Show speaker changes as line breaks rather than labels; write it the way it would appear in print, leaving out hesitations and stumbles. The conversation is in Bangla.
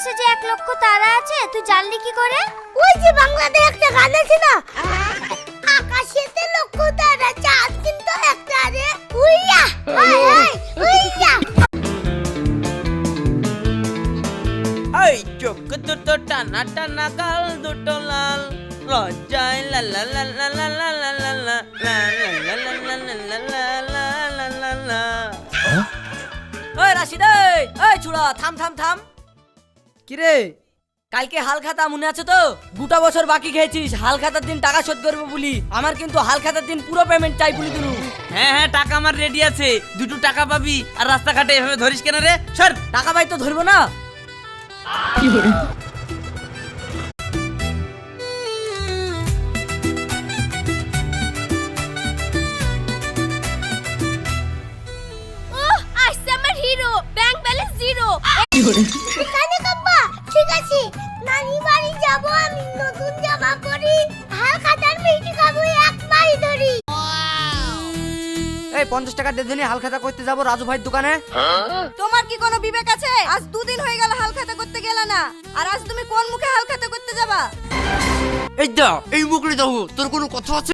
আকাশে যে 1 লক্ষ তারা আছে তুই জানলি কি করে?
ওই যে বাংলাতে একটা গান আছে না, আকাশেতে লক্ষ তারা চাঁদ কিন্তু একটা রে, উইয়া হাই হাই উইয়া।
এই চোখ দুটো টানা টানা গাল দুটো লাল লজ্জায় লা লা লা লা লা লা লা লা লা লা লা লা লা লা লা লা লা লা লা।
ওই রাশিদ, ওই ছুড়া থাম থাম থাম। কি রে, কালকে হাল খাতা মনে আছে তো? 2টা বছর বাকি খেয়েছিস, হাল খাতার দিন টাকা শোধ করবো বলি। আমার কিন্তু হাল খাতার দিন পুরো পেমেন্ট চাই বলি দিলু।
হ্যাঁ হ্যাঁ, টাকা আমার রেডি আছে, দুটো টাকা পাবি। আর রাস্তাঘাটে এভাবে ধরিস কেন রে? সর।
টাকা পাই তো ধরবো না।
ওহ আসছে আমার হিরো, ব্যাংক ব্যালেন্স জিরো।
কানে কাব্বা, ঠিক আছে, নানি বাড়ি যাব, আমি নতুন জামা পরি, হাল খাতার মিষ্টি খাবো, এক মাই ধরি।
এই 50 টাকা দিয়ে দিনি হাল খাতা করতে যাবো রাজু ভাইয়ের দোকানে।
তোমার কি কোনো বিবেক আছে? আজ 2 দিন হয়ে গেল হাল খাতা করতে গেলে না, আর আজ তুমি কোন মুখে হাল খাতা করতে যাবা?
এই দা, এই মুখে যাবো, তোর কোনো কথা আছে?